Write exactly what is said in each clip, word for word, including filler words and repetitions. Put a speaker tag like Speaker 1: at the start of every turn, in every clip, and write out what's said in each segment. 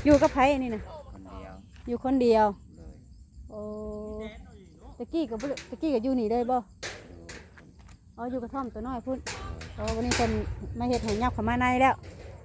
Speaker 1: อยู่กับไผนี่นะ
Speaker 2: คนเดียว
Speaker 1: อยู่คนเดียว
Speaker 2: เลย
Speaker 1: โอ้ตะกี้กับตะกี้กับอยู่นี่เลยบ่
Speaker 2: อยู่
Speaker 1: อ๋ออยู่กระท่อมตัวน้อยพุ่นโอ้วันนี้คนมาเฮ็ดให้ยับเข้ามาในแล้ว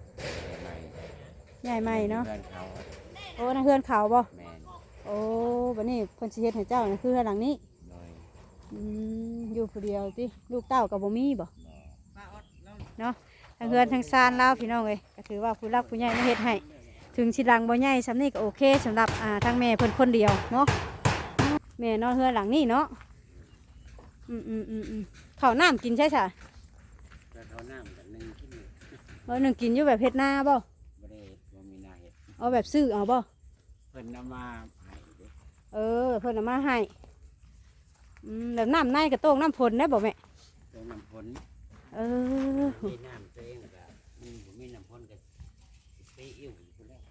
Speaker 1: ใหญ่ใหม่เนาะ
Speaker 2: เพื่อนเขาอะ
Speaker 1: โอ้นั่นเฮือนเขาบ่
Speaker 2: แมน
Speaker 1: โอ้วันนี้เพิ่นสิเฮ็ดให้เจ้านี่คือเฮือนหลังนี้
Speaker 2: เลย
Speaker 1: อืมอยู่ผู้เดียวติลูกเต้ากับบ่มีบ่
Speaker 2: บ่
Speaker 1: เนาะทั้งเฮือนทั้งซานแล้วพี่น้องเอ้ยก็ถือว่าผู้รักผู้ใหญ่มาเฮ็ดให้ถึงสิหลังบ่ใหญ่สำนี้ก็โอเคสำหรับอ่าทั้งแม่เพิ่นคนเดียวเนาะแม่นอนเฮือนหลังนี้เนาะอืมอืมอืมอืมข้าวน้ำกินใช่ใช่
Speaker 2: แล้วเขาน้ำกันหนึ่งกิน
Speaker 1: เออหนึ่งกินอยู่แบบเฮ็ดนาบ่
Speaker 2: บ่ได้บ่มีนาเห็ด
Speaker 1: เอาแบบซื้อเอาบ่
Speaker 2: เพิ่นนำมาให้เด้อ
Speaker 1: เออเพิ่นเอามาให้อืมแบบน้ำในกระโต้งน้ำพลได้บ่แม่
Speaker 2: เติมน้ำพ่น
Speaker 1: เออ
Speaker 2: มีน้ำตัวเองก็มีบ่มีน้ำพ่นก็ไปอิ่วอยู่พุ่นแล้ว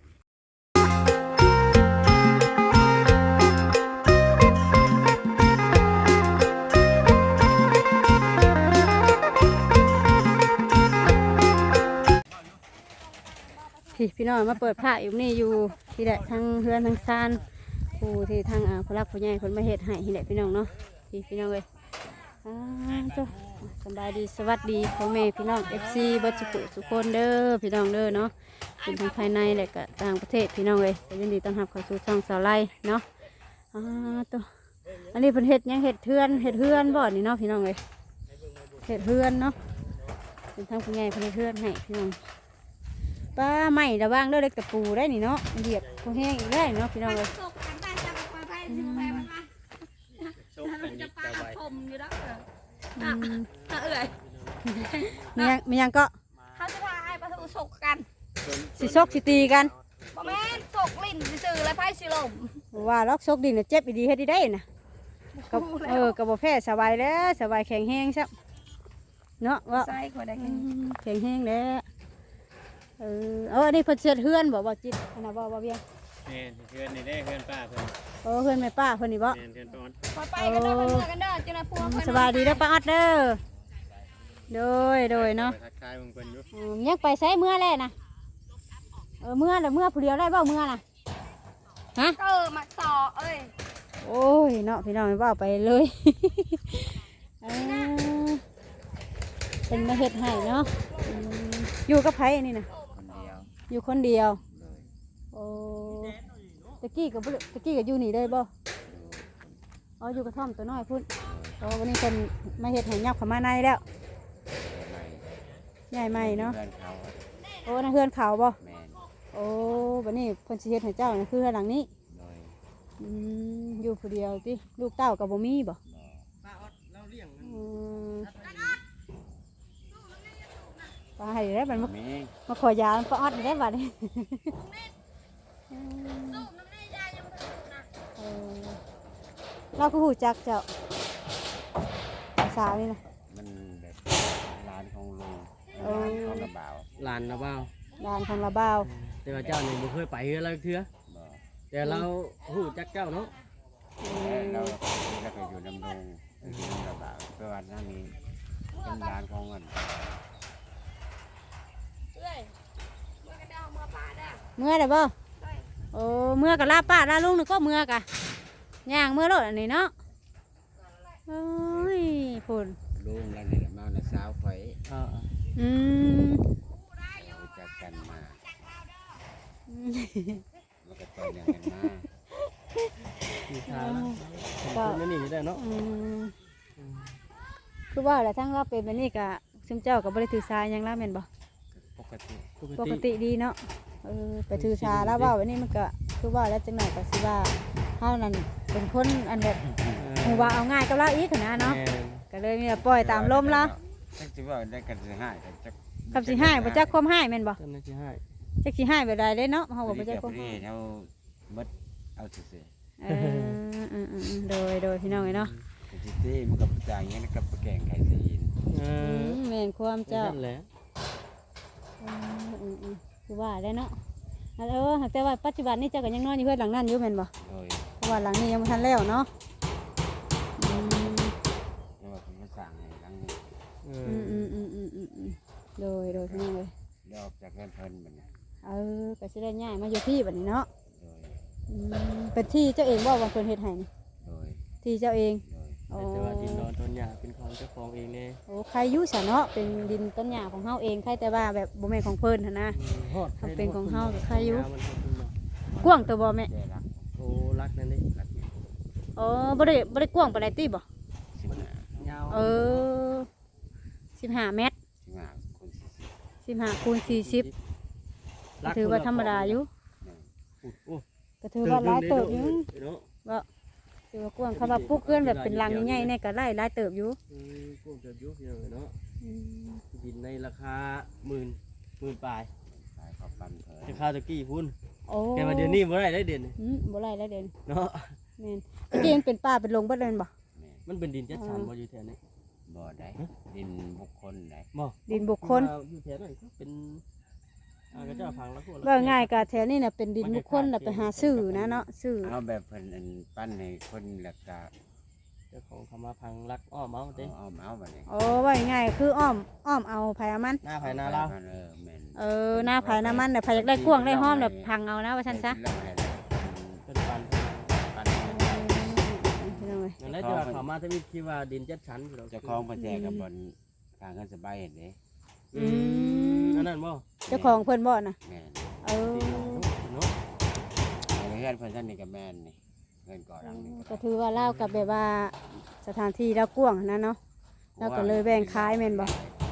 Speaker 1: พี่พี่น้องมาเปิดผ้าอยู่นี่อยู่ที่แหละทั้งเฮือนทั้งซานผู้ที่ทั้งอ่าผู้รักผู้ใหญ่คนมาเฮ็ดให้ที่แหละพี่น้องเนาะพี่พี่น้องเลยอ่าจ้ะสบายดีสวัสดีพ่อแม่พี่น้อง เอฟ ซี บัดสุขุสุคนเด้อพี่น้องเด้อเนาะเป็นทั้งภายในและก็ต่างประเทศพี่น้องเลยก็ยินดีต้อนรับเข้าสู่ช่องสาวไล่เนาะอ่าตัวอันนี้เพิ่นเฮ็ดหยังเฮ็ดเทือนเฮ็ดเฮือนบ่นี่เนาะพี่น้องเลยเฮ็ดเฮือนเนาะเป็นทั้งผู้ใหญ่เพิ่นเฮ็ดเฮือนให้พี่น้องป้าไม่ระวังเด้อเล็กตะปูได้นี่เนาะเหยียบผู้แห้งอีกได้เนาะพี่น้องเลย
Speaker 3: สุกกันได้จะไปไปสิไปมันมา
Speaker 2: โชคกัน
Speaker 3: จะ
Speaker 2: ยิ่ง
Speaker 3: ปลา
Speaker 2: จะไว
Speaker 3: คมอยู่แล้ว
Speaker 1: อืม
Speaker 3: อ่ะเอื่อย
Speaker 1: มียังมียังก็
Speaker 3: เขาจะพาไอ้ปลาทูสุกกัน
Speaker 1: สิซกสิตีกัน
Speaker 3: บ่แม่นสุกลิ้นซื่อๆแล้วไพ่สิลม
Speaker 1: ว่าล็อกซกดินน่ะเจ็บอีดีเฮ็ดดีได้น่ะกับเออกับบ่แพ้สบายแล้วสบายแข็งแห้งซับเนาะว่า
Speaker 3: ใส่กว่าได้
Speaker 1: อืมแข็งแห้งแล้วเออเอออันนี้เพิ่นเสียดเฮือนบ่บ่จิตอันน่ะบ่บ่เวียง
Speaker 2: แม่นเพื่อนนี่ได้เพื่อนป้าเพิ่น
Speaker 1: เออเฮือนแม่ป้าเพิ่นนี่บ่
Speaker 2: แม่นเพื่อนป้าออด
Speaker 3: พอไปกันเด้อไปเมื่อกันเด้อจังได๋พวกเพิ่น
Speaker 1: สบายดีเด้อป้าออดเด้อโดยโดยเนาะ
Speaker 2: ไปทักทายเบิ่งเพิ่นอยู่
Speaker 1: อืมยังไปใช้เมื่อแล้วนะเออเมื่อแล้วเมื่อผู้เดียวได้บ่เมื่อน่ะฮะ
Speaker 3: เออมาต่อเอ้ย
Speaker 1: โอ้ยเนาะพี่น้องไม่ว่าไปเลย เออเป็นมาเฮ็ดให้เนาะอืมอยู่กับไผนี่นะ
Speaker 2: คนเดียว
Speaker 1: อยู่คนเดียว
Speaker 2: เลย
Speaker 1: โอ้ตะกี้กับตะกี้กับอยู่นี่เลยบ่
Speaker 2: อยู่
Speaker 1: อ๋ออยู่กระท่อมตัวน้อยพุ่นโอ้วันนี้คนมาเฮ็ดให้ยับเข้ามาในแล้ว
Speaker 2: ใหม่
Speaker 1: ใหญ่ใหม่เนาะ
Speaker 2: เพื่อนเขาอะ
Speaker 1: โอ้นั่นเฮือนเขาบ่
Speaker 2: แม่น
Speaker 1: โอ้วันนี้เพิ่นสิเฮ็ดให้เจ้านี่คือเฮือนหลังนี้
Speaker 2: เลย
Speaker 1: อืมอยู่ผู้เดียวติลูกเต้ากับบ่มีบ่
Speaker 2: บ่
Speaker 1: อืมปลาให้ได้บัดมา
Speaker 2: มี
Speaker 1: มาขอยาปลาออดได้บัดนี้เออเราก็หูจักเจ้าสาวนี่นะ
Speaker 2: มันแบบร้านของลุง
Speaker 1: เออ
Speaker 2: ร้านของระบ่าว
Speaker 4: ลานนะเบ้า
Speaker 1: ดานของละบ่าว
Speaker 4: แต่ว่าเจ้านี่บ่เคยไปเฮือเราเทื่อ
Speaker 2: บ่
Speaker 4: แต่เราฮู้จักเจ้าเนาะ
Speaker 2: แล้วเราก็อยู่ดำรงอยู่ดำระบ่าวเพื่อวันนั้นนี้เป็นร้านของเงิน
Speaker 3: เอ้ยเมื่อกันเด้อเมื่อปลาเด้อ
Speaker 1: เมื่อได้บ่
Speaker 3: เอ้ย
Speaker 1: โอ้เมื่อกับลาป้าลาลุงนี่ก็เมื่อกะย่างเมื่อรถอันนี้เนาะโอ้ยพุ่น
Speaker 2: ลุงแล้วนี่แหละมาในสาวไฟ
Speaker 4: เออ
Speaker 1: อืม
Speaker 2: รู้จักกันมา
Speaker 1: อืม
Speaker 2: แล้วก็ต่อเนื่องกันมา
Speaker 4: มีทางนะคนนี่ได้เนาะ
Speaker 1: อืมคือว่าแหละทั้งเราเป็นแบบนี้กะซึมเจ้ากับบริถือสายหยังล่ะแม่นบ่
Speaker 2: ปกติ
Speaker 1: ปกติดีเนาะเออไปถือสาแล้วว่าวันนี้มันก็คือว่าแล้วจังไหนก็สิว่าเฮานั่นเป็นคนอันแบบหูว่าเอาง่ายกับเราอีกหั้นนะเนาะก็เลยมีแต่ปล่อยตามลมแล้ว
Speaker 2: จักสิว่าได้กันสิให้กันจัก
Speaker 1: กับสิให้บ่จักความให้แม่นบ่
Speaker 4: เจ้าหน้าที่ให้
Speaker 1: จักสิให้แบบใดเด้เนาะเฮาก็บ่จักความ
Speaker 2: นี่
Speaker 1: ให้
Speaker 2: เฮาหมดเอาซื่อ
Speaker 1: เอออืมๆๆโดยโดยพี่น้องเนาะ
Speaker 2: ๆสิตีมันกับจ่ายเงี้ยกับแกงไข่สีน
Speaker 4: เอ
Speaker 1: อื
Speaker 4: อ
Speaker 1: มแม่นความเจ้า
Speaker 4: นั่นแหละ
Speaker 1: อืมอืมๆคือว่าได้เนาะอันเออแต่ว่าปัจจุบันนี้เจ้าก็ยังนอนอยู่เฮือนหลังนั้นอยู่แม่นบ่
Speaker 2: โดย
Speaker 1: เพราะว่าหลังนี้ยังบ่ทันแล้วเนาะอืม
Speaker 2: เรียกว่าผมมาสั่งให้หลังนี้
Speaker 4: เอ
Speaker 1: อื
Speaker 4: อ
Speaker 1: มอืมอืมอืมอืมอืมโดยโดยพี่น้องเลย
Speaker 2: เดี๋ยวออกจากเงินเพิ่นบัดนี้
Speaker 1: เออก็สิได้ย้ายมาอยู่ที่บัดนี้เนาะ
Speaker 2: โดย
Speaker 1: อืมเป็นที่เจ้าเองบ่ว่าเพิ่นเฮ็ดให้นี่
Speaker 2: โดย
Speaker 1: ที่เจ้าเอง
Speaker 2: โดย
Speaker 1: โอ้
Speaker 4: แต่ว่าดินดอนต้นหญ้าเป็นของเจ้าของเองเนี่ย
Speaker 1: โอ้ใครอยู่ซะเนาะเป็นดินต้นหญ้าของเฮาเองใครแต่ว่าแบบบ่แม่นของเพิ่นหั่นนะ
Speaker 4: ฮอด
Speaker 1: มันเป็นของเฮากับใครอยู่
Speaker 4: มันฮอดคุณเนาะ
Speaker 1: กว้างตัวบ่แม่
Speaker 2: ได้รัก
Speaker 4: โอ้รักนั่นดิ
Speaker 2: รักอยู่
Speaker 1: อ๋อบ่ได้บ่ได้กว้างปานใดติบ่
Speaker 2: สิบห้าย
Speaker 4: าว
Speaker 1: เออสิบห้าเมตร
Speaker 2: สิบห้าคูณสี่สิบ
Speaker 1: สิบห้าคูณสี่สิบก็ถือว่าธรรมดาอยู่
Speaker 4: อุดโอ้
Speaker 1: ก็ถือว่าหลายเติบอยู่
Speaker 4: เนาะ
Speaker 1: ว่าถือว่ากว้างคำว่าปลูกเกือนแบบเป็นรังใหญ่ๆเนี่ยก็หลายหลายเติบอยู่
Speaker 4: อืมพวกเดือดยุบเยอะเนาะ
Speaker 1: อืม
Speaker 4: ดินในราคาหมื่นหมื่นปลาย
Speaker 2: ขายข้าวปั้นเผย
Speaker 4: ราคาตะกี้พุ่น
Speaker 1: โอ้
Speaker 4: แกมาเดือนนี้บ่ได้ได้เดือน
Speaker 1: อืมบ่หลายแล้วเด่น
Speaker 4: เนาะ
Speaker 1: แม่นตะกี้มันเป็นป่าเป็นลงเบิดเลยแม่นบ่
Speaker 2: แม่น
Speaker 4: มันเป็นดินจัดสรรบ่อยู่แถวนี้
Speaker 2: บ่ได้ดินบุคคลได้
Speaker 4: บ่
Speaker 1: ดินบุคคล
Speaker 4: อยู่แถวนั้นก็เป็นอ่ากระเจ้าพังแล้วพวก
Speaker 1: ว่าง่ายก็แถวนี้น่ะเป็นดินบุคคลน่ะไปหาซื้อนะเนาะซื้อ
Speaker 2: เอาแบบเพิ่นอันปั้นให้คนแล้วก็
Speaker 4: เจ้าของเขามาพังรักอ้อมเอา
Speaker 2: เอา
Speaker 4: เด้
Speaker 2: เอาเอาบัดนี้
Speaker 1: โอ้ว่าง่ายๆคืออ้อมอ้อมเอาไผเอามัน
Speaker 4: หน้าภายหน้าเรา
Speaker 2: เออแม่น
Speaker 1: เออหน้าไผหน้ามันน่ะไผอยากได้กว้างได้ห้อมแบบพังเอานะว่าซั่นซะ
Speaker 2: เรื่องอะไรนะ
Speaker 4: เป็นปัน
Speaker 2: ปั้น
Speaker 1: พี่น้องเอ้ย
Speaker 4: นั่นแหละจะว่าเขามาถ้ามีคิดว่าดินจัดสรรอยู่แล้ว
Speaker 2: เจ้าของเพิ่นแจกกับบนทางเงินสบายเห็นเด้
Speaker 4: อืมอันนั้นบ่
Speaker 1: เจ้าของเพิ่นบ่น่ะ
Speaker 2: แม่น
Speaker 1: เออ
Speaker 4: เนาะ
Speaker 2: ในเฮือนเพิ่นท่านนี่ก็แม่นนี่เงินก่อหลังนี่
Speaker 1: ก็ถือว่าเล่ากับแบบว่าสถานที่แล้วกว้างนะเนาะแล้วก็เลยแบ่งขายแม่นบ่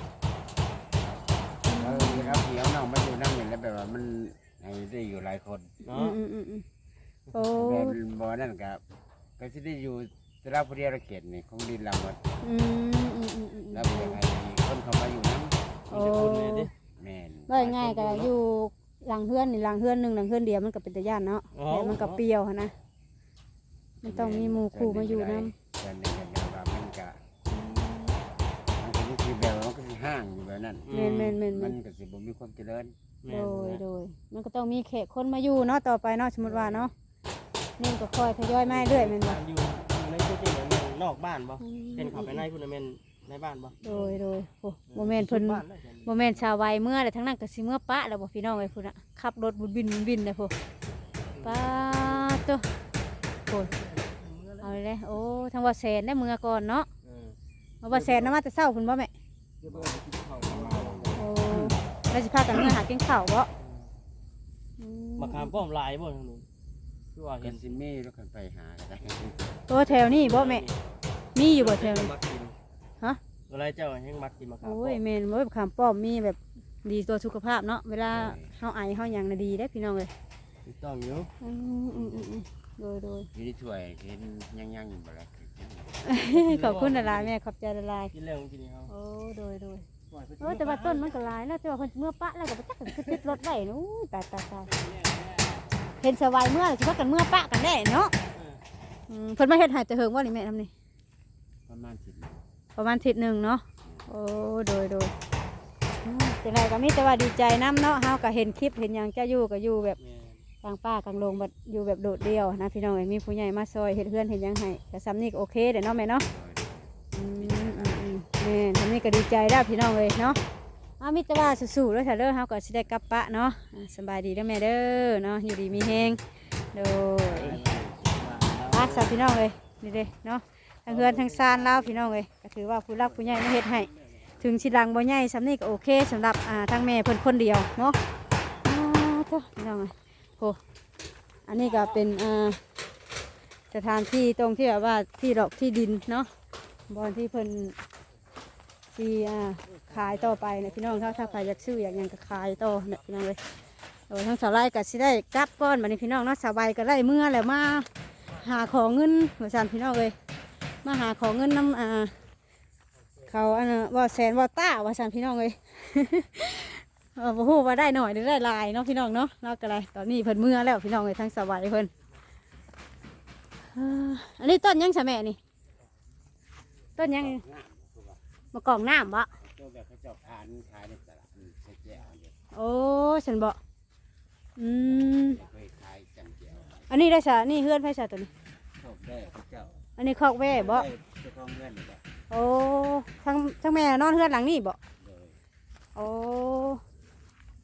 Speaker 2: เออแล้วเดี๋ยวน้องมาอยู่นั่งนี่แล้วแบบว่ามันให้ได้อยู่หลายคน
Speaker 4: เนาะ
Speaker 1: อืมอืมอืมอืมโอ้
Speaker 2: แบบบ่นั่นก็ก็สิได้อยู่แต่ละผู้เดียวละเกตนี่ของดินเราหมด
Speaker 1: อืมอืมอืมอืม
Speaker 2: แล้วเป็นยังไงคนเขามาอยู่นำ
Speaker 1: โอ้
Speaker 4: มีแต่คนเลยดิ
Speaker 2: แม่น
Speaker 1: ว่าง่ายๆก็อยู่หลังเฮือนนี่หลังเฮือนหนึงหลังเฮือนเดียวมันก็เป็นตาย่านเนาะแต่มันก็เปรี้ยวหันนะมันต้องมีหมู่คู่มาอยู่นำ
Speaker 2: แต่นี่ก็แบบว่ามันก็มันก็มีคือแบบว่ามันก็สิห้างอยู่แบบนั้น
Speaker 1: แม่นแม่นแม่น
Speaker 2: มั
Speaker 1: แม่
Speaker 2: น
Speaker 1: น
Speaker 2: ก็สิบ่มีความเจริญ
Speaker 4: แม่
Speaker 1: โด
Speaker 4: น
Speaker 1: ย
Speaker 4: แม่น
Speaker 1: โดยมันก็ต้องมีแขกคนมาอยู่เนาะต่อไปเนาะสมมติว่าเนาะนี่ก็ค่อยทยอยมาเรื่อยแม่นบ่
Speaker 4: อยู่อยู่ในพื้นที่นั้นแม่นนอกบ้านบ่เป็นเขาไปในพุ่นน่ะแม่นในบ้านบ่
Speaker 1: โดยโดยโอ้โมเมนต์เพิ่น
Speaker 4: บ้านได้แค่นี้
Speaker 1: โมเมนต์ชาววัยเมื่อแต่ทั้งนั้นก็สิเมื่อปะแล้วบ่พี่น้องไอ้พุ่นน่ะขับรถบุญบินบุญบินนะพุ่นปะตัวพุ่นเอาเลยเลยโอ้ทั้งว่าแสนได้เมื่อก่อนเนาะ
Speaker 4: เออ
Speaker 1: เอาว่าแสนนะมาแต่เช้าพุ่นบ่แม่
Speaker 4: เดี๋ยวเบิ่งกินข้าวกันมา
Speaker 1: โอ้แล้วสิพากันเมื่อหากินข้าวบ่อืม
Speaker 4: มะขามป้อมลายบ่ทางนู้นคือว่า
Speaker 2: ก็
Speaker 4: เห็น
Speaker 2: สิมีแล้วกันไปหาก็ได้
Speaker 1: ตัวแถวนี้บ่แม่มีอยู่บ่แถวนี้
Speaker 4: มักกิน
Speaker 1: ฮะ
Speaker 4: อะไรเจ้าแห่งมักกินมะขาม
Speaker 1: โอ้
Speaker 4: ป้อย ม
Speaker 1: แม่นบ่คำป้อมมีแบบดีต่อสุขภาพเนาะเวลาเฮาไอเฮาหยังน่ะดีได้พี่น้องเอ้ย
Speaker 4: ถูกต้องอยู่
Speaker 1: อืมอืมอืมอืมโดยโดย
Speaker 2: อยู่ที่ถ้วยเห็นยังๆอยู่บ่ล่ะ
Speaker 1: ขอบคุณหลายๆแม่ขอบใจหลาย
Speaker 4: กินแล้วกินนี่เฮา
Speaker 1: ๆโอ้โดยโดยเออแต่ว่าต้นมันก็หลายแล้วแต่ว่าเพิ่นเมื่อปะแล้วก็บ่จักกันคือติดรถไว้นู้ตายตายตายเห็นสบายเมื่อสิว่ากันเมื่อปะกันได้เนาะอืมเพิ่นมาเฮ็ดให้แต่เฮิงว่านี่แม่ทำนี่
Speaker 2: ประมาณสิบ
Speaker 1: ประมาณอาทิศนึงเนาะโอ้โดยโดยอืมจังไดก็มีแต่ว่าดีใจนํเนาะเฮาก็เห็นคลิปเห็นหยังจะอยู่ก็อยู่แบบ
Speaker 4: แม่น
Speaker 1: กลางป่ากลางโรงแบบอยู่แบบโดดเดี่ยวนะพี่น้องเอ้ยมีผู้ใหญ่มาซอยเฮ็ดเฮือนเฮ็ดหยังให้ก็ซ้ำนี่ก็โอเคเด้อเนาะแม่เนาะอืมอืมอืมแม่ทำนี่ก็ดีใจแล้วพี่น้องเอ้ยเนาะเอามิตรว่าสู้ๆเด้อค่ะเด้อเฮาก็สิได้กลับปะเนาะอ่าสบายดีเด้อแม่เด้อเนาะอยู่ดีมีแฮงโดยปาสาพี่น้องเอ้ยนี่เด้เนาะทั้งเฮือนทั้งซานแล้วพี่น้องเอ้ยก็ถือว่าผู้รักผู้ใหญ่มาเฮ็ดให้ถึงสิหลังบ่ใหญ่ซ้ำนี่ก็โอเคสำหรับอ่าทั้งแม่เพิ่นคนเดียวเนาะอ่าเด้อพี่น้องเอ้ยโห อันนี้ก็เป็นอ่าสถานที่ตรงที่แบบว่าที่ดอกที่ดินเนาะบอนที่เพิ่นที่อ่าขายต่อไปนะพี่น้องถ้าถ้าใครอยากซื้ออยากหยังก็ขายต่อเนี่ยพี่น้องเลยโดยทั้งสาวไร่ก็สิได้กลับก้อนมาในพี่น้องเนาะสาวใบก็ได้เมื่อแล้วมาหาของเงินหัวสันพี่น้องเลยมาหาของเงินน้ำอ่าเขาอันน่ะว่าแสนว่าต้าว่าสันพี่น้องเลย เออบ่ฮู้ว่าได้หน่อยหรือได้หลายเนาะพี่น้องเนาะเราก็ได้ตอนนี้เพิ่นเมื่อแล้วพี่น้องเลยทั้งสบายเพิ่นเอ่ออันนี้ต้นหยังใช่แม่นี่ต้นหยังมะกอกน้ำบ่
Speaker 2: ตัวแบบเขาเจ้าทานขายในตลาดนี่ใช้แก้วอันเดียว
Speaker 1: โอ้ฉันบ่อืม
Speaker 2: เคยขายจำแก้ว
Speaker 1: อันนี้ได้ซะนี่เฮือนไผซะตัวนี้
Speaker 2: ชอบได้เขาเจ้า
Speaker 1: อันนี้คอกแว่บ่
Speaker 2: เจ้าของเงินบ่
Speaker 1: โอ้ทั้งทั้งแม่นอนเฮือนหลังนี้บ่
Speaker 2: เลย
Speaker 1: โอ้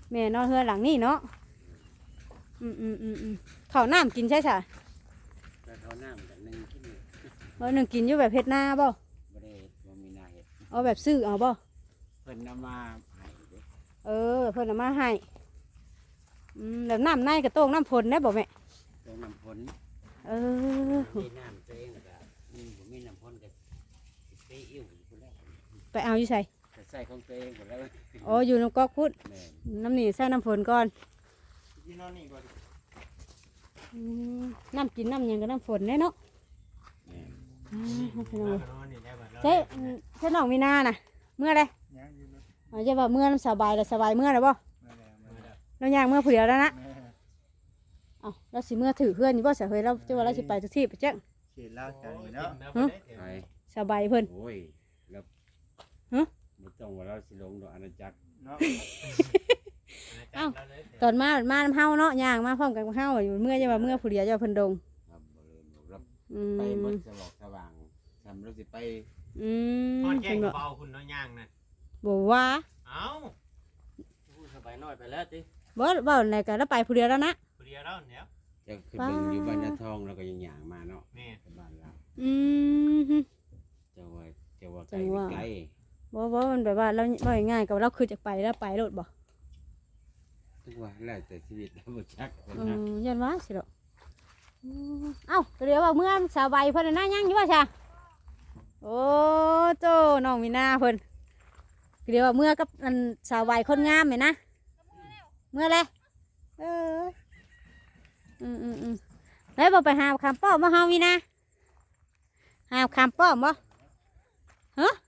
Speaker 1: แม่นอนเฮือนหลังนี่เนาะอืมอืมอืมอืมข้าวน้ำกินใช่ใช่
Speaker 2: แล้วเขาน้ำกันหนึ่งที่นี่
Speaker 1: เออหนึ่งกินอยู่แบบเฮ็ดหน้าบ่
Speaker 2: บ่ได้บ่มีนาเห็ด
Speaker 1: เอาแบบซื้อเอาบ่
Speaker 2: เพิ่นนำมาให้เด้
Speaker 1: เออเพิ่นเอามาให้อืมแล้วน้ำในกระโต้งน้ำพลได้บ่แม่
Speaker 2: ตรงน้ำพ้น
Speaker 1: เออ
Speaker 2: มีน้ำตัวเองก็มีบ่มีน้ำพ้นก็ไปอิ่วอยู่พุ่นแล้ว
Speaker 1: ไปเอาอยู่ใส่
Speaker 2: ก็ใส่ของตัวเองหมดแล้ว
Speaker 1: อ๋ออยู่น้ำก๊อกพุด
Speaker 2: แม่น
Speaker 1: น้ำนี่ใส่น้ำฝนก่อน
Speaker 4: ที่นอนนี่บ่ดิ
Speaker 1: อืมน้ำกินน้ำหยังกับน้ำฝนแน่เนาะ
Speaker 2: แม่น
Speaker 1: อ่าพี่น้อง
Speaker 4: น
Speaker 1: เอ้ย
Speaker 4: อนนี่ได้บ่เรา
Speaker 1: เจ๊เจ๊น้องมีนาน่ะเมื่อไร
Speaker 5: ยังอยู่รถ
Speaker 1: อาจจะว่าเมื่อน้ำสบายแล้วสบายเมื่อไรบ่
Speaker 5: มาแล้วมาแล้ว
Speaker 1: เราย่างเมื่อผู้เดียวแล้วนะ
Speaker 5: แม่
Speaker 1: เอ้าเราสิเมื่อถือเพื่อนอยู่บ่เสียเฮ้ยเราจะว่าเราสิไปทุกที่ไปจ้ง
Speaker 5: เขียนเล่าใจเนาะ
Speaker 2: ไป
Speaker 1: สบายเพิ่น
Speaker 2: โอ้ยแล้ว
Speaker 1: ฮะ
Speaker 2: บ่ต้องว่าเราสิลงดอกอาณาจักร
Speaker 5: เนาะ
Speaker 1: เอ้า ตอนมามาน้ำเฮาเนาะย่างมาพร้อมกันกับเฮาอยู่เมื่อจะว่าเมื่อผู้เดียวจะว่าเพิ่นดง
Speaker 2: ครับบ่เลยบ่รับ
Speaker 1: อื
Speaker 2: ไป
Speaker 1: ม
Speaker 2: หมดสว่างสว่างทำเราสิไป
Speaker 1: อืม
Speaker 4: นอนแก้
Speaker 1: เพิ่
Speaker 4: ง
Speaker 1: นบอก
Speaker 4: เบาคุณน้อยย่างน่ะ
Speaker 1: บ่ว่า
Speaker 4: เอ้าพูดสบายน้อยไปแล้วติ
Speaker 1: บ่เว้าไหนกันแล้วไปผู้เดียวแล้วนะ
Speaker 4: ผู้เดียวแล้วเนี่ย
Speaker 2: จะขึ้นเบิ่งอยู่บ้านนาทองแล้วก็ยังหยางมาเนาะ
Speaker 4: แม่
Speaker 2: ไปบ้านเรา
Speaker 1: อืม
Speaker 2: เจ้าว่าเจ้าว่าไก
Speaker 1: จั
Speaker 2: ล
Speaker 1: งหวะ
Speaker 2: ไกล
Speaker 1: บ่บ่มันแบบว่าเราบ่ง่ายๆกับเราคือจะไปแล้วไปโลดบ่
Speaker 2: ทุกว่าแล้วแต่ชีวิตเราบ่จักคน
Speaker 1: อื
Speaker 2: นะ
Speaker 1: มยันว่าสิดอกอืมเอ้าเดี๋ยวว่าเมื่อสาวใบเพิ่นน่ะยังอยู่ว่าชะโอ้โตน้องมีนาเพิ่นเดี๋ยวว่าเมื่อกับอันสาวใบคนงามแม่นะเมื่อไรเอออืมอืมอืมแล้วบ่ไปหาคำป้อมบ่เฮามีนาหาคำป้อมบ่ฮะ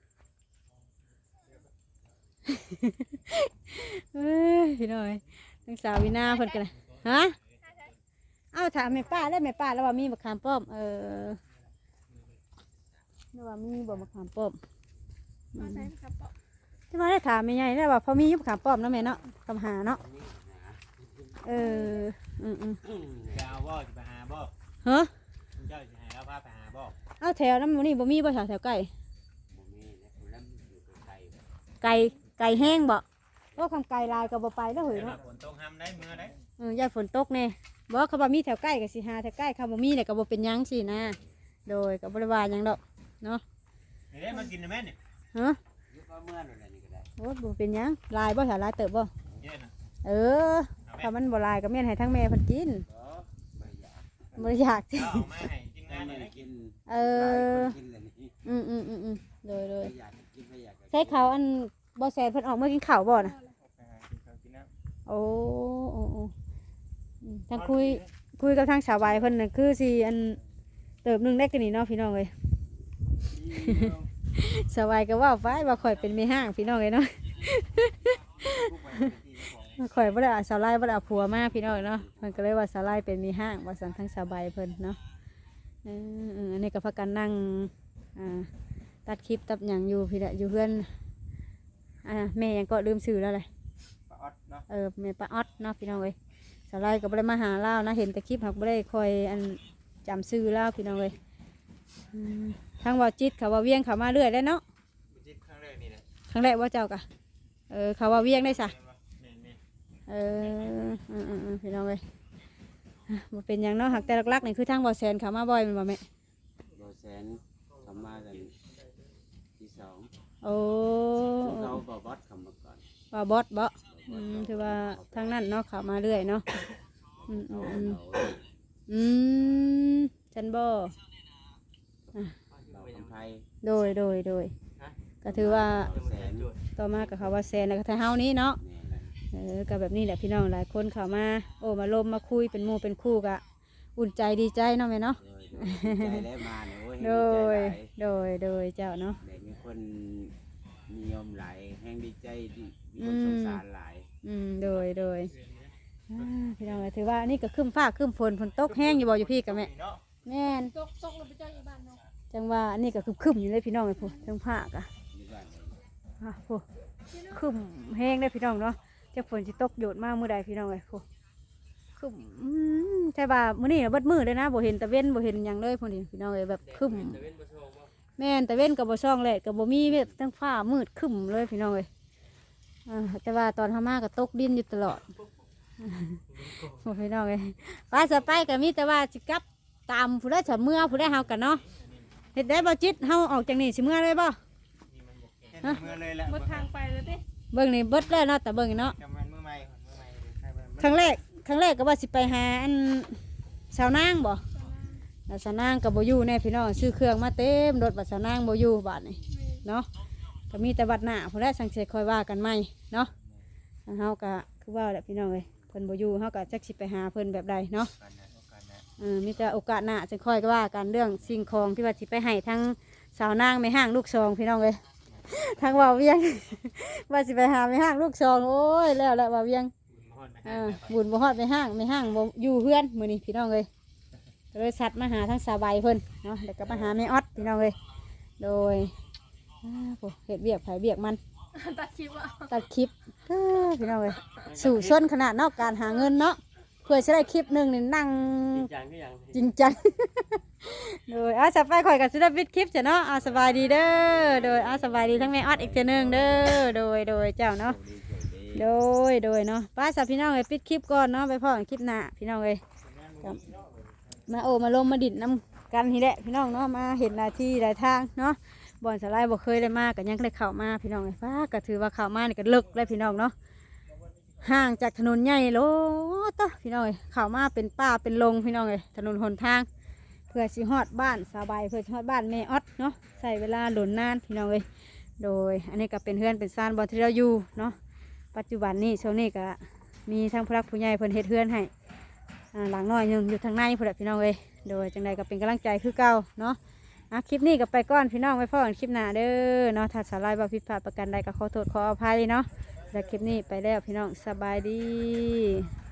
Speaker 1: เอ้ยพี่น้อยทั้งสาววินาเพิ่นกันนะฮะเอ้าถามแม่ป้าได้แม่ป้าแล้วว่ามีมะขามป้อมเออแล้วว่ามีบ่มะขามป้อม
Speaker 3: มาใส่ครับปะ
Speaker 1: ที่มาได้ถามแม่ใหญ่แล้วว่าพอมีอยุบขามป้อมเนาะแม่เนาะคำหาเนาะเอออืมอืม
Speaker 4: จะเอาบ่จะไปหาบ่
Speaker 1: ฮะ
Speaker 4: เจ้าจะให้เราพาไปหาบ่
Speaker 1: เอาแถวนั้นบ่นี่บ่มีบ่แถวแถวไก่
Speaker 2: บ่มีนะคนนั้นอยู่ไกล
Speaker 1: ไก่ไก่แห้งบ่โอ้คำไก่ลายก็บ่ไปแล้วเหย
Speaker 4: เดี๋ยว
Speaker 1: เนาะ
Speaker 4: ฝนตกห้ามได้มือได้
Speaker 1: เออยายฝนตกแน่บ่เขาบ่มีแถวใกล้ก็สิหาแถวใกล้เขาบ่มีเนี่ยก็บ่เป็นหยังสินะโดยก็บ่ได้ว่าหยังดอกเนาะ
Speaker 4: เดี๋ยวมากินนะแม่เนี่ย
Speaker 1: ฮะ
Speaker 2: ๆอยู่ก็เมื่อนั่นแหละนี่ก็ได้
Speaker 1: โอ้บ่เป็นหยังลายบ่แถวลายเติบบ่
Speaker 4: เยอะนะ
Speaker 1: เออถ้ามันบ่ลายก็แม่นให้ทั้งแม่เพิ่นกิน
Speaker 2: บ่อยาก
Speaker 1: บ่ได้อยาก
Speaker 4: เจ้าเอามาให้ทีม
Speaker 2: แต่
Speaker 4: งาน
Speaker 2: ไม่
Speaker 4: นี่
Speaker 2: ได้กิน
Speaker 1: เอ
Speaker 2: หลาย
Speaker 1: อ
Speaker 2: คนกินเลยนี่
Speaker 1: อืมอืมอืมอืมโดยโดย
Speaker 2: ไม่อยากกินไม่อยาก
Speaker 1: ใช้เขาวอันบ่แซนเพิ่นออกมากินข้าวบ่น่ะ
Speaker 5: ไปหากินข้าวกินน้
Speaker 1: โอ้โอ้โอ้อืมทางคุยคุยกับทางสาวใบเพิ่นน่ะคือสิอันเติบหนึงได้กันนี่เนาะพี่น้องเอ้ย
Speaker 5: ำ
Speaker 1: สาวใบก็เว้าไปว่าข่อยเป็นแม่ห้างพี่น้องเอ้ยเนาะ ข่อยบ่ได้เอาสาวไล่บ่ได้เอาผัวมาพี่น้องเนาะเพิ่นก็เลยว่าสาวไล่เป็นแม่ห้างว่าซั่นทางสาวใบเพิ่นเนาะเออเอออันนี้ก็พากันนั่งอ่าตัดคลิปตัดหยังอยู่พี่ละอยู่เพื่อนอ่าแม่ยังก็ลืมชื่อแล้วเลย
Speaker 5: ปลาออดเนาะ
Speaker 1: เออแม่ป้าออดเนาะพี่น้องเอ้ยสไลด์ก็บ่ได้มาหาเล่านะเห็นแต่คลิปหักบ่ได้คอยอันจำชื่อเล่าพี่น้องเอ้ยอืมทางว่าจิตเขาว่าเวียงเขามาเรื่อยแล้วเนาะ
Speaker 4: จิตครั้งแรกนี่แหละ
Speaker 1: ครั้งแรกว่าเจ้ากะเออเขาว่าเวียงได้ซะ
Speaker 4: แม่นแม่น
Speaker 1: เอออืมอืมอืมพี่น้องเอ้ยอ่ะบ่เป็นหยังเนาะหักแต่หลักๆนี่คือทางบ่อแสนเขามาบ่อยแมันบ่แม่
Speaker 2: โดยแสนทำมากันที่สอง
Speaker 1: โอ้
Speaker 2: เขาบอบอสคำมาก่อน
Speaker 1: ว่าบอสบ่อืมถือว่าทางนั้นเนาะเขามาเรื่อยเนาะอืมอื
Speaker 2: เขา
Speaker 1: มอืม
Speaker 2: เขา
Speaker 1: อืมจันบ่
Speaker 2: เราคนไทย
Speaker 1: โดยโดยโดยก็ถือว่า
Speaker 2: แสน
Speaker 1: ต่อมากับเขาว่าแซนแล้วก็ไทยเฮานี้เนาะ
Speaker 2: นี่แหละ
Speaker 1: เออก็แบบนี้แหละพี่น้องหลายคนเข้ามาโอ้มาลมมาคุยเป็นหมู่เป็นคู่กะอุ่นใจดีใจเนาะแม่เนาะ
Speaker 2: โดยโดยใจได้มาเนี่ยโอ้ย
Speaker 1: โด
Speaker 2: ดี
Speaker 1: ย
Speaker 2: ใจหลาย
Speaker 1: โดยโดยเจ้าเนาะ
Speaker 2: เด็กมีคนนิยมหลายแห่งดีใจดีมีคนสงสารหลาย
Speaker 1: อืมโดยโดยอ่าพี่น้องก็ถือว่านี่ก็ครึ้มฟ้าครึ้มฝนฝนตกแห้งอยู่บ่อยู่พี่กับแม่แม่น
Speaker 3: ตกตกลงไปเจ้าอยู่บ้านเนาะ
Speaker 1: จังว่าอันนี้ก็ครึ้มๆอยู่เลยพี่น้องไอ้พวกทั้งภาคอะ
Speaker 2: อยู่บ้านเลย
Speaker 1: อ่ะพวกครึ้มแห้งได้พี่น้องเนาะจะฝนสิตกโยดมากมื้อใดพี่น้องไอ้พวกครึ้มอืมใช่ป่ะมื้อนี้น่ะเบิดมื้อเลยนะบ่เห็นตะเว้นบ่เห็นหยังเลยพวกนี้พี่น้องเอ้ยแบบครึ้ม
Speaker 4: แต่เว้นบ่โชว์บ่
Speaker 1: แม่นตะเว้นก็บ่ช่องแลดก็บ่มีแบบทั้งฟ้ามืดครึ้มเลยพี่น้องเอ้ยอ่าแต่ว่าตอนทำมาก็ตกดินอยู่ตลอดโอ้พี่น้องเลยป้าสะไปก็มีแต่ว่าสิกลับตามผู้ได้สเมื่อผู้ได้เฮากันเนาะเฮ็ดได้บ่จิตเฮาออกจากนี่สิเมื่อเลยบ่
Speaker 5: เห็นมือเลยแหละ
Speaker 3: หมดทางไปเลยติ
Speaker 1: เบิ่งนี่เบิดเลยเนาะแต่เบิ่งนี่เนาะ
Speaker 5: จำมันมือใหม่มือใหม่ใช่ไหม
Speaker 1: ครั้งแรกครั้งแรกก็ว่าสิไปหาอันสาวนางบ่แล้วสาวนางก็บ่อยู่แน่พี่น้องซื้อเครื่องมาเต็มรถบัดสาวนางบ่อยู่บาดนี่เนาะก็มีแต่บัดหน้าผู้ได้สังเกตคอยว่ากันใหม่เนาะทางเฮาก็คือว่าแหละพี่น้องเอ้ยเพิ่นบ่อยู่เฮาก็จักสิไปหาเพิ่นแบบใดเนาะ
Speaker 5: กันนะโอกาสนะ
Speaker 1: เออมีแต่โอกาสหน้าจะค่อยก็ว่ากันเรื่องสิ่งของที่ว่าสิไปให้ทั้งสาวนางไม่ห้างลูกซองพี่น้องเลยทั้งว่าเวียง ว่าสิไปหาไม่ห้างลูกซองโอ้ยแล้วแหละว่าเวียงเออบุญบ่ฮอดไม่ห้างไม่ห้างบ่อยู่เพื่อนมื้อนี้พี่น้องเลยก็เลยสัตว์มาหาทั้งสาใบเพิ่นเนาะแล้วก็มาหาแม่ออดพี่น้องเลยโดยอ้าวโหเฮ็ดเบียกไผเบียกมัน
Speaker 3: ตัดคลิปอ่ะ
Speaker 1: ตัดคลิปเอ้อพี่น้องเลยสู่ส้นขนาดเนอกการหาเงินเนาะเพื่อจะได้คลิปหนึ่งนี่นั่ง
Speaker 4: จริงจังก็ยัง
Speaker 1: จริงจัง โดยอาสบายข่อยกับศิลปินคลิปจ้ะเนาะอาสบายดีเด้อโดยอาสบายดีทั้งแม่ออดอีกเจนึงเด้อโดยโดยเจ้าเนาะโดยโดยเนาะป้าสับพี่น้องเลยปิดคลิปก่อนเนาะไปพ่อกันคลิปหน้าพี่น้องเลยครับมาโอมาลงมาดิดน้ำกันทีแหละพี่น้องเนาะมาเห็นหน้าที่หลายทางเนาะบ่อนสลายบ่เคยได้มากันยังได้เข้ามาพี่น้องเลยป้าก็ถือว่าเข้ามานี่ก็เลิกเลยพี่น้องเนาะห่างจากถนนใหญ่โลต่อพี่น้องเลยเข้ามาเป็นป่าเป็นลงพี่น้องเลยถนนหนทาง เพื่อสิฮอดบ้านสบายเพื่อสิฮอดบ้านแม่ออดเนาะใส่เวลาหล่นนานพี่น้องเลยโดยอันนี้ก็เป็นเฮือนเป็นซานบอลที่เราอยู่เนาะปัจจุบันนี้ช่วงนี้ก็มีทั้งผู้รักผู้ใหญ่เพิ่นเฮ็ดเฮือนให้อ่าหลังน้อยหนึงอยู่ทางในพุ่นแหละพี่น้องเลยโดยจังใดก็เป็นกำลังใจคือเก่าเนาะอ่ะคลิปนี้ก็ไปก่อนพี่น้องไว้พ่อกันคลิปหน้าเด้อเนาะถ้าสาลายบ่ผิดพลาดประกันใดก็ขอโทษขออภัยเนาะแล้วคลิปนี้ไปแล้วพี่น้องสบายดี